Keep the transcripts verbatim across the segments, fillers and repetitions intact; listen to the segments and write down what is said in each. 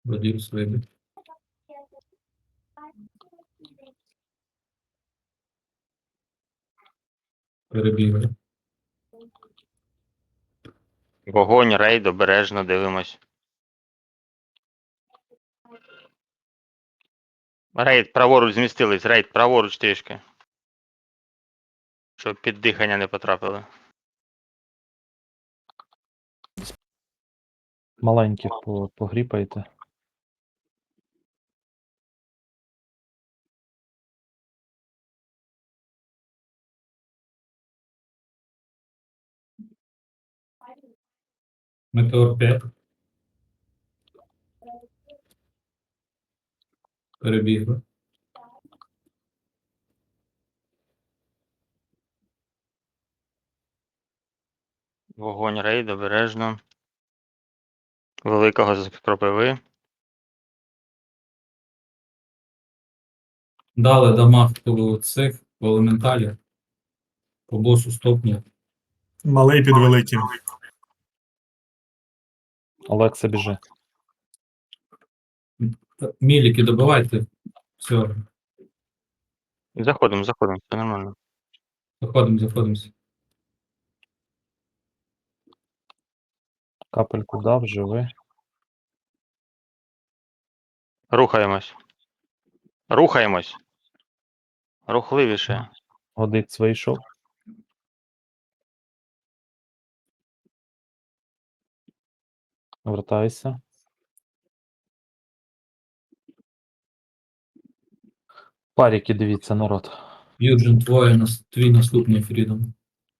Радіус вийде. Перебігли. Вогонь, рейд, обережно дивимось. Рейд, праворуч змістились, рейд, праворуч трішки. Щоб під дихання не потрапили. Маленьких по- погріпайте. Метеор п'ять. Перебігли. Вогонь, рейд, обережно. Великого з кропиви. Дали дамаг по цих, по елементалі. По босу стопні. Малий під великим. Олекса, біжи. Міліки добивайте. Все. Заходимо, заходимо, все нормально. Заходимо, заходимося. Капельку дав, живи. Рухаємось. Рухаємось. Рухливіше. Годиць вийшов. Вертайся. Паріки, дивіться, народ. Юджин, твоє, нас- твій наступний фрідом.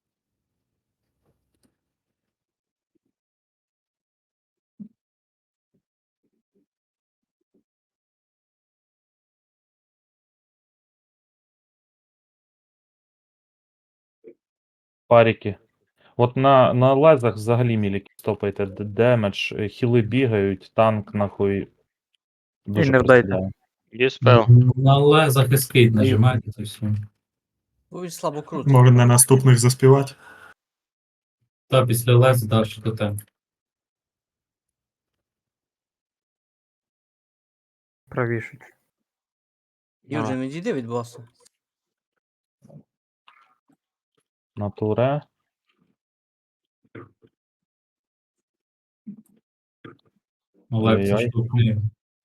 Паріки. От на, на лезах взагалі міліки стопайте. Д- Демедж, е, хіли бігають, танк нахуй. Дуже не вдайте. просідає. Діспел. На лезах ескейт нажимайте, це все. Ой, слабо круто. Може на наступних заспівати. Та після лез далі до тем. Правіше. Юджин, відійди від боса. На туре. Олекса Ой-ой. штовхни.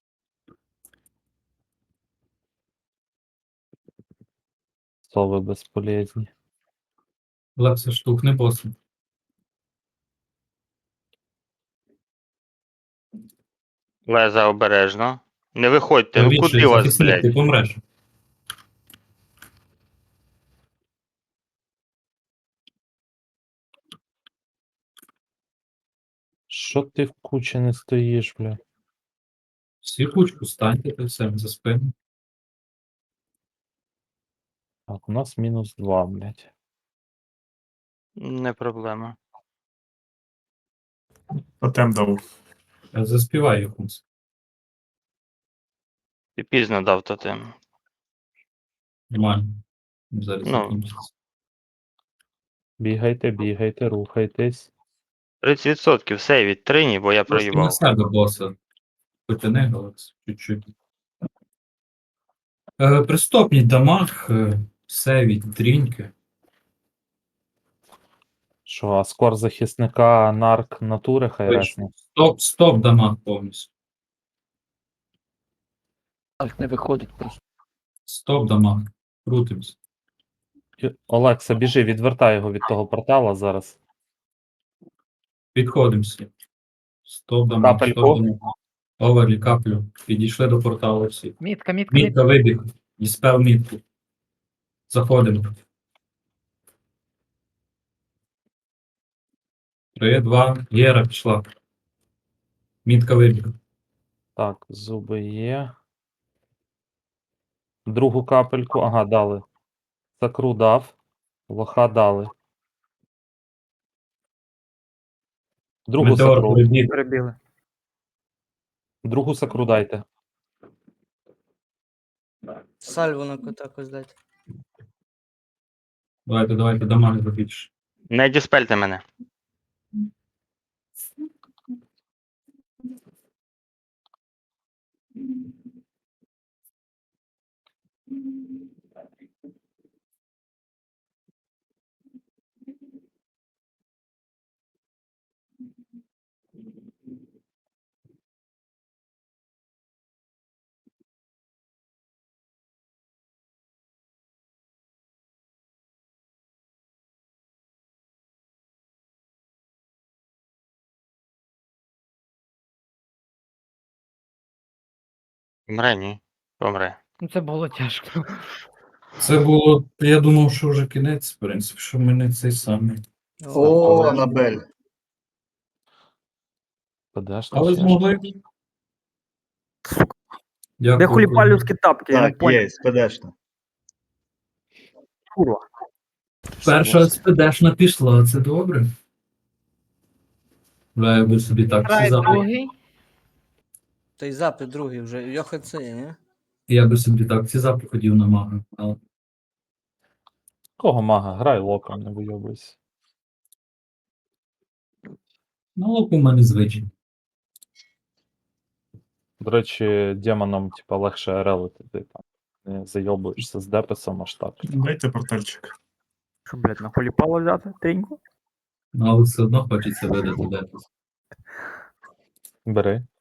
Сови безполезні. Олекса штовхни боса. Леза обережно. Не виходьте, ну Правіше, куди вас, захисник, ти блядь? помреш. Що ти в кучі не стоїш, бля? Всі кучку станьте, ти все за спину. Так, у нас мінус два, блядь. Не проблема. Тотем дав. Я заспіваю якусь. Ти пізно дав тотем. Нормально. Зараз Ну. закінчиться. Бігайте, бігайте, рухайтесь. тридцять відсотків сейвіть трині, бо я Просто на проїбав. себе боса. Потяни, Олекс, чуть-чуть. Е, пристопніть дамаг, е, сейвіть тріньки. Що, а скор захисника нарк натури хай ресне. Стоп, стоп дамаг повністю. Так не виходить просто. Стоп дамаг. Крутимось. І- Олекса, біжи, відвертай його від того портала зараз. Підходимося. Стоп дамаг, Капельку. стоп дамаг. Оверлі, каплю. Підійшли до порталу всі. Мітка, мітка, мітка. Мітка вибіг. Діспел мітку. Заходимо. Три, два. Єра пішла. Мітка вибіг. Так, зуби є. Другу капельку, ага, дали. Сакру дав. Лоха дали. Другу Метеор сакру. прибіг. Перебігли. Другу сакру дайте. Сальву на кота якось дайте. Давайте, давайте, дамаг забільше. Не діспельте мене. Помре, ні. Помре. Ну це було тяжко. Це було. Я думав, що вже кінець, в принципі, що ми не цей самий. О, Анабель. Подожди, Але ще змогли. Де Дякую. хуліпалівські тапки? Я не Так, понял. є, спедешно. Курва. Перша спедешна пішла, це добре. Бля, я би собі так всі запити. Та й запит другий вже. Йоха це, ні? Я би собі так ці запити ходів на мага. Але Кого мага? Грай локом, не вийобуйся. на локу в мене звичай. До речі, демонам, типа, легше релити, ти там не зайобуєшся з деписом аж так. Дайте портальчик. Що, блядь, на хуліпало взяти? Тріньку? Ну, але все одно хочеться видати депис. Бери.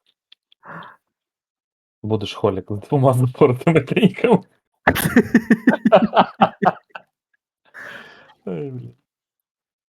Будеш холік з двома запортими трійками. Ай, блін.